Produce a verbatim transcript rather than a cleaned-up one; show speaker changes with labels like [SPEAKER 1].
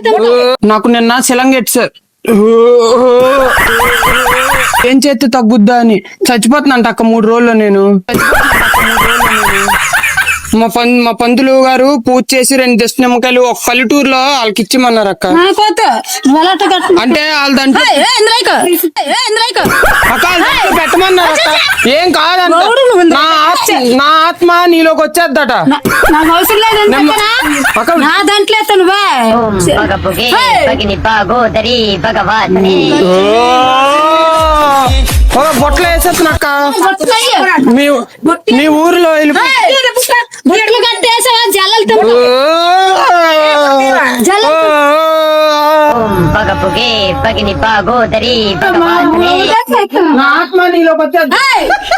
[SPEAKER 1] నాకు నిన్న శిలంగెట్ సార్ ఏం చేస్తే తగ్గుద్దా అని చచ్చిపోతున్నాంట అక్క మూడు రోజుల్లో నేను మా పం మా పంతులు గారు పూజ చేసి రెండు దశ నిమ్మకాయలు ఒక పల్లెటూరులో వాళ్ళకి ఇచ్చిమన్నారు అక్క. అంటే వాళ్ళ దాంట్లో అక్క పెట్టమన్నారు అక్క. ఏం కాదంట, నా ఆత్మ నా ఆత్మ నీలోకి వచ్చేద్దట.
[SPEAKER 2] నా దాంట్లో
[SPEAKER 1] బొట్టలు వేసేస్తున్నా అక్క. మీ మీ ఊరిలో
[SPEAKER 2] పగపుగే పగిని పాగోదరి
[SPEAKER 1] నా ఆత్మ నీలోకి వచ్చేద్దా.